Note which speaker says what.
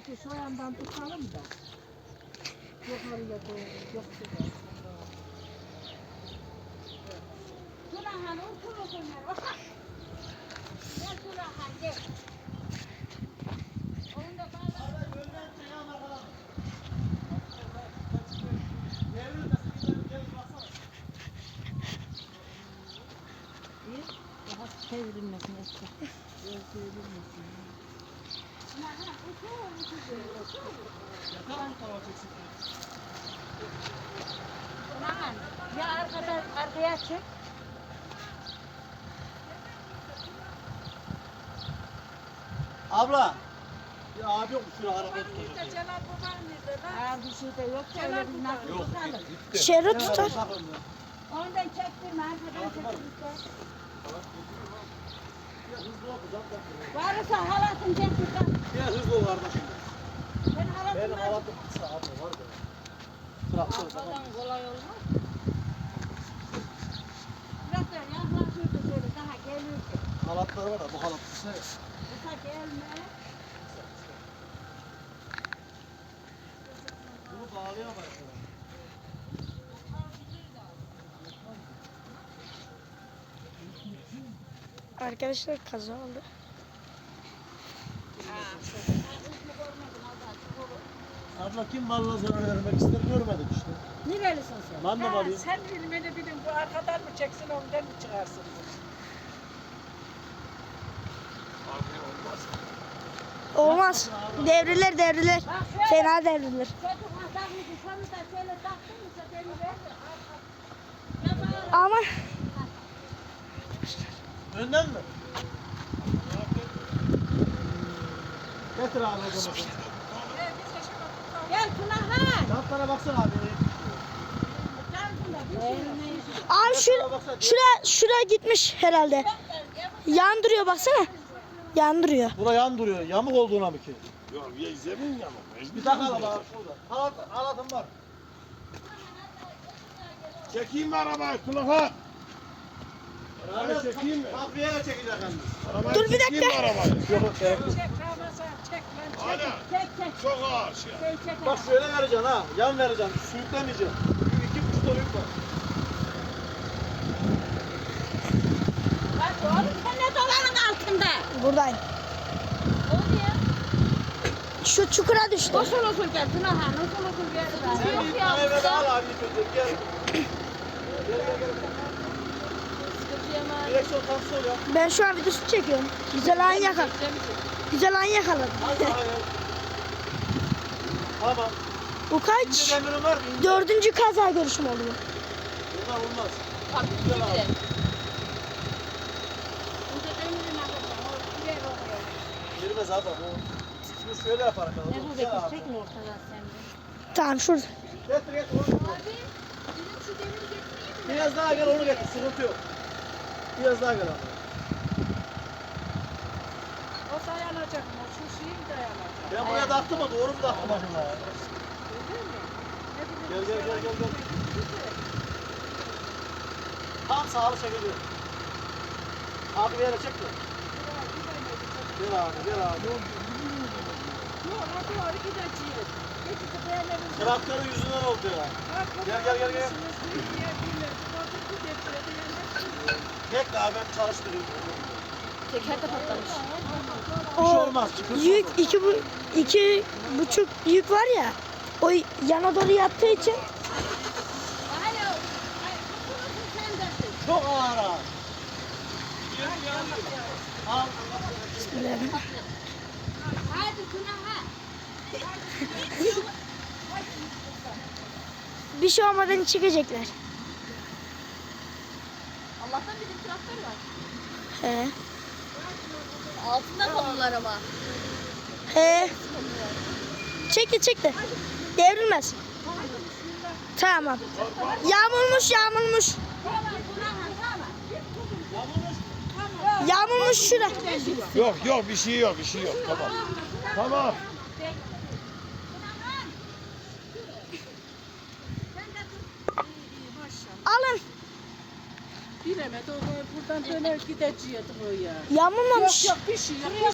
Speaker 1: Peki şu yandan tutalım da. Yukarıya doğru götürelim.
Speaker 2: Turahan otur otur. Gel Turahan gel. Onu da bağla.
Speaker 1: Daha çevrilmesin eski. Çevrilmesin.
Speaker 2: Turahan ya arkaya çek.
Speaker 3: Abla. Ya abi yok şuraya araba tutacak.
Speaker 1: Celal baban nerede lan? Bir şey de yok. Öyle bir nasıl
Speaker 3: Yok.
Speaker 1: tutalım.
Speaker 4: Şerit tutar.
Speaker 2: Ondan çektirme arkadan çektirme. Varsa halatın çektirme.
Speaker 3: Biraz hızlı ol kardeşim.
Speaker 2: Ben halatım
Speaker 3: Benim
Speaker 2: var.
Speaker 3: halatım kısa abla var da. Traktör tamam.
Speaker 2: Arkadan kolay olmaz. Biraz da yaklaşırdı şöyle daha gelirdi.
Speaker 3: Halatlar var da bu halat kısa ya.
Speaker 2: Kısa gelme.
Speaker 3: Bunu bağlayamayız.
Speaker 4: Arkadaşlar kaza oldu.
Speaker 3: Abla kim malına zarar vermek ister görmedik işte.
Speaker 2: Nerelisin sen?
Speaker 3: Ben de malıyım.
Speaker 1: Sen bilmeni bilin bu arkadan mı çeksin ondan mı çıkarsın?
Speaker 4: Olmaz. Devrilir devrilir. Fena devrilir.
Speaker 2: Çocuk takmışsın şunu da şöyle taktın mı beni ver.
Speaker 4: Ama
Speaker 3: Önden mi? Getir abi o zaman.
Speaker 2: Gel Turahan.
Speaker 3: Şartlara baksana abi.
Speaker 4: abi şura gitmiş herhalde. Yandırıyor baksana. Yandırıyor.
Speaker 3: Bura yan duruyor. Yamuk olduğuna mı ki?
Speaker 5: Yok ya zemin yamuk.
Speaker 3: Bir takalım abi şurada. Halatım var.
Speaker 5: Çekeyim mi arabayı Tulaha? Arabayı çekeyim mi?
Speaker 3: Takviye çekecek hem de.
Speaker 5: Arabayı
Speaker 4: Dur bir
Speaker 5: çekeyim
Speaker 4: dakika.
Speaker 5: mi arabayı?
Speaker 3: Yok gerek yok.
Speaker 1: Çek Ramazan çek lan çek.
Speaker 5: Hadi.
Speaker 2: Çek çek.
Speaker 5: Çok ağır şey.
Speaker 2: Çek.
Speaker 3: Bak şöyle vereceksin ha. Yan vereceksin. Sürüklemeyeceksin. Çünkü 2,5 ton yük var.
Speaker 2: Bak oğlum sen ne dolanın altında?
Speaker 4: Buradayım.
Speaker 2: O ne?
Speaker 4: Şu çukura düştü.
Speaker 2: Usul usul gel Turahan. Usul usul gel.
Speaker 3: Sen
Speaker 2: Yok
Speaker 3: bir
Speaker 2: ya.
Speaker 3: tane ver al abi. Gel. Direksiyon tam sol ya.
Speaker 4: Ben şu an videosu çekiyorum. Güzel an yakaladım. Güzel an yakaladım.
Speaker 3: Tamam.
Speaker 4: Bu
Speaker 3: İnce
Speaker 4: kaç?
Speaker 3: demirin var mı? İnce.
Speaker 4: 4. kaza görüşüm oluyor.
Speaker 3: Bunlar olmaz.
Speaker 2: Tabii
Speaker 3: Güzel abi.
Speaker 2: ki. Burada demirin arkadaşlar. O yer oluyor.
Speaker 3: Girmez abi. Şimdi şöyle yaparım ben.
Speaker 2: Ne bu
Speaker 3: Gel abi.
Speaker 2: bekir mi ortadan sende?
Speaker 4: Tamam şurada.
Speaker 3: Getir. Biraz daha gel onu getir. Sıkıntı yok. Biraz daha gel abi.
Speaker 1: O dayanacak mı? Şu şeyi mi dayanacak?
Speaker 3: Ben buraya taktım mı? Doğru mu taktım acaba ya?
Speaker 1: Öyle mi? Ne bileyim.
Speaker 3: Gel. Tam sağlı çekiliyor. Abi bir yere çek de. Gel abi.
Speaker 1: Yok hadi doğru gideceğiz. Geçici beğenelim.
Speaker 3: Traktörün yüzünden oldu ya. Gel. Bekle abi ben çalıştırayım.
Speaker 2: Teker de patlamış.
Speaker 3: Bir şey
Speaker 4: O
Speaker 3: olmaz. Çıkırsın.
Speaker 4: yük 2,5 yük var ya. O yana doğru yattığı için
Speaker 2: Alo. Ay, kutunuzu sen dersin.
Speaker 3: Çok ağır abi. Al.
Speaker 2: Hadi Turahan.
Speaker 4: bir şey olmadan çıkacaklar.
Speaker 2: Allah'tan bizim traktör var.
Speaker 4: He.
Speaker 2: Altında kalırlar ama.
Speaker 4: He. Çekti. Devrilmez. Tamam. Yağmurmuş.
Speaker 2: Tamam Turahan tamam.
Speaker 4: Yağmurmuş şura.
Speaker 5: Yok bir şey yok. Tamam.
Speaker 4: Alın.
Speaker 1: Bilemedi o buradan döner gideceğiz o ya.
Speaker 4: Yağmurmamış.
Speaker 1: Yok bir şey yok.